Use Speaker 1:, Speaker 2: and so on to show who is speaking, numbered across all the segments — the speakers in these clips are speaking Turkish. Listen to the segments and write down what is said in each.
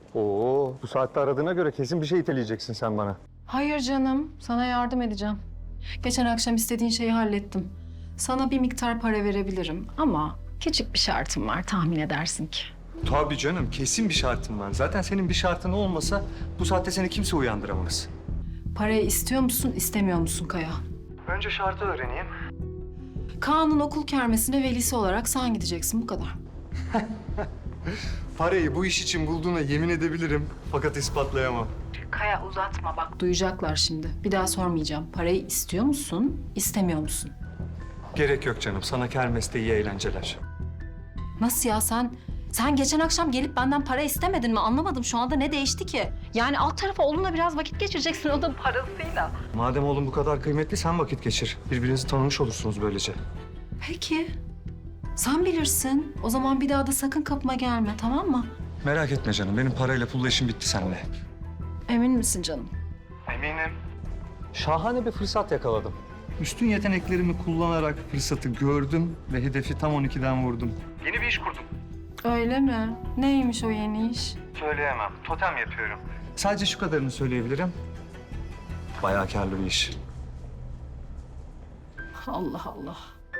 Speaker 1: Oo, bu saatte aradığına göre kesin bir şey iteleyeceksin sen bana.
Speaker 2: Hayır canım, sana yardım edeceğim. Geçen akşam istediğin şeyi hallettim. Sana bir miktar para verebilirim ama küçük bir şartım var, tahmin edersin ki.
Speaker 1: Tabii canım, kesin bir şartım var. Zaten senin bir şartın olmasa bu saatte seni kimse uyandıramaz.
Speaker 2: Parayı istiyor musun, istemiyor musun Kaya?
Speaker 1: Önce şartı öğreneyim.
Speaker 2: Kaan'ın okul kermesine velisi olarak sen gideceksin, bu kadar.
Speaker 1: Parayı bu iş için bulduğuna yemin edebilirim. Fakat ispatlayamam.
Speaker 2: Kaya uzatma bak, duyacaklar şimdi. Bir daha sormayacağım. Parayı istiyor musun, istemiyor musun?
Speaker 1: Gerek yok canım. Sana kermeste iyi eğlenceler.
Speaker 2: Nasıl ya sen geçen akşam gelip benden para istemedin mi? Anlamadım şu anda ne değişti ki? Yani alt tarafa oğlunla biraz vakit geçireceksin o da parasıyla.
Speaker 1: Madem oğlum bu kadar kıymetli sen vakit geçir. Birbirinizi tanımış olursunuz böylece.
Speaker 2: Peki. Sen bilirsin. O zaman bir daha da sakın kapıma gelme, tamam mı?
Speaker 1: Merak etme canım. Benim parayla pulla işim bitti seninle.
Speaker 2: Emin misin canım?
Speaker 1: Eminim. Şahane bir fırsat yakaladım. Üstün yeteneklerimi kullanarak fırsatı gördüm ve hedefi tam 12'den vurdum. Yeni bir iş kurdum.
Speaker 2: Öyle mi? Neymiş o yeni iş?
Speaker 1: Söyleyemem. Totem yapıyorum. Sadece şu kadarını söyleyebilirim. Bayağı karlı bir iş.
Speaker 2: Allah Allah.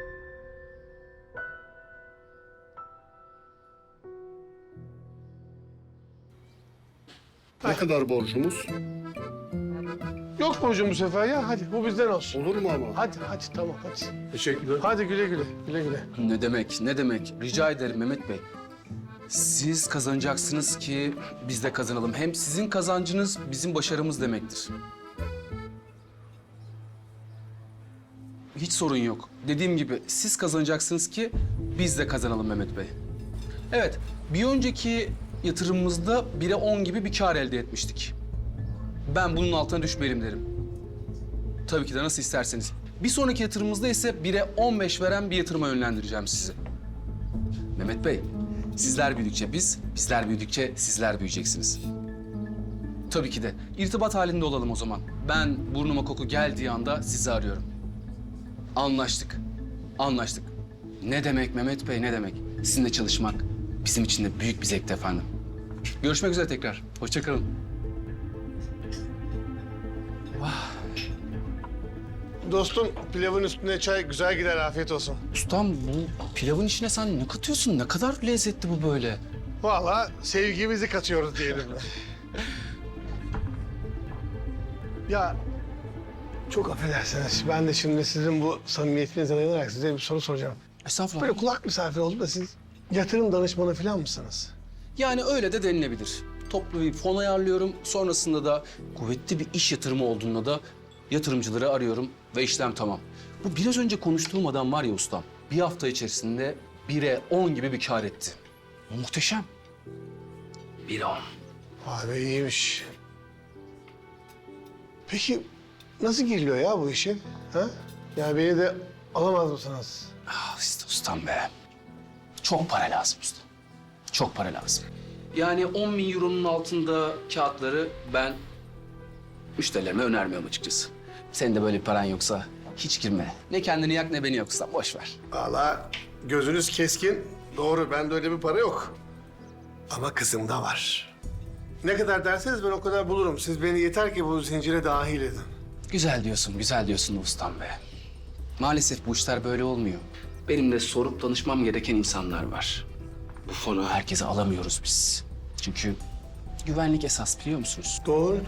Speaker 3: Ne kadar borcumuz?
Speaker 4: Yok borcum bu sefer ya. Hadi bu bizden olsun.
Speaker 3: Olur mu ama?
Speaker 4: Hadi tamam hadi.
Speaker 3: Teşekkürler.
Speaker 4: Hadi güle güle.
Speaker 5: Ne demek, ne demek? Rica ederim Mehmet Bey. Siz kazanacaksınız ki biz de kazanalım. Hem sizin kazancınız bizim başarımız demektir. Hiç sorun yok. Dediğim gibi siz kazanacaksınız ki biz de kazanalım Mehmet Bey. Evet, bir önceki yatırımımızda 1'e 10 gibi bir kar elde etmiştik. Ben bunun altına düşmeyelim derim. Tabii ki de nasıl isterseniz. Bir sonraki yatırımımızda ise 1'e 15 veren bir yatırıma yönlendireceğim sizi. Mehmet Bey, sizler büyüdükçe biz, bizler büyüdükçe sizler büyüyeceksiniz. Tabii ki de. İrtibat halinde olalım o zaman. Ben burnuma koku geldiği anda sizi arıyorum. Anlaştık. Anlaştık. Ne demek Mehmet Bey, ne demek? Sizinle çalışmak bizim için de büyük bir zevkti efendim. Görüşmek üzere tekrar. Hoşça kalın.
Speaker 4: Dostum pilavın üstüne çay güzel gider, afiyet olsun.
Speaker 5: Ustam bu pilavın içine sen ne katıyorsun? Ne kadar lezzetli bu böyle.
Speaker 4: Vallahi sevgimizi katıyoruz diyelim. Ya çok affedersiniz. Ben de şimdi sizin bu samimiyetinize dayanarak size bir soru soracağım.
Speaker 5: Estağfurullah.
Speaker 4: Böyle kulak misafiri oldum da siz yatırım danışmanı falan mısınız?
Speaker 5: Yani öyle de denilebilir. Toplu bir fon ayarlıyorum. Sonrasında da kuvvetli bir iş yatırımı olduğunda da yatırımcıları arıyorum ve işlem tamam. Bu biraz önce konuştuğum adam var ya ustam. Bir hafta içerisinde 1'e 10 gibi bir kar etti. Muhteşem. 1'e 10.
Speaker 4: Vay be, iyiymiş. Peki nasıl giriliyor ya bu işe? Ha? Yani beni de alamaz mısınız?
Speaker 5: Ah işte ustam be. Çok para lazım usta. Çok para lazım. Yani 10 bin euronun altında kağıtları ben müşterilerime önermiyorum açıkçası. Senin de böyle bir paran yoksa hiç girme. Ne kendini yak ne beni yoksa boş ver.
Speaker 4: Vallahi gözünüz keskin. Doğru, bende öyle bir para yok. Ama kızımda var. Ne kadar derseniz ben o kadar bulurum. Siz beni yeter ki bu zincire dahil edin.
Speaker 5: Güzel diyorsun ustam be. Maalesef bu işler böyle olmuyor. Benim de sorup danışmam gereken insanlar var. Bu fonu herkese alamıyoruz biz. Çünkü güvenlik esas biliyor musunuz?
Speaker 4: Doğru.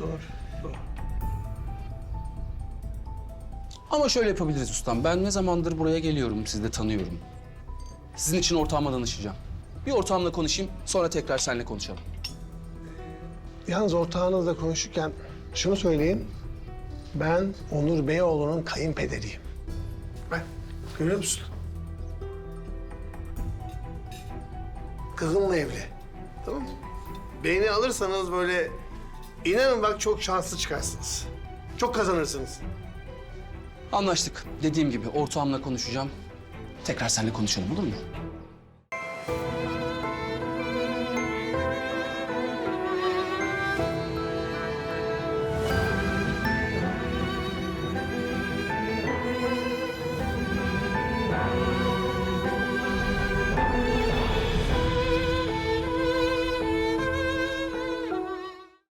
Speaker 5: Ama şöyle yapabiliriz ustam. Ben ne zamandır buraya geliyorum, sizi de tanıyorum. Sizin için ortağıma danışacağım. Bir ortağımla konuşayım, sonra tekrar seninle konuşalım.
Speaker 4: Yalnız ortağınızla konuşurken şunu söyleyeyim. Ben Onur Beyoğlu'nun kayınpederiyim. Bak, görüyor musun? Kızımla evli. Tamam mı? Beni alırsanız böyle inanın bak çok şanslı çıkarsınız. Çok kazanırsınız.
Speaker 5: Anlaştık. Dediğim gibi ortağımla konuşacağım. Tekrar seninle konuşalım olur mu?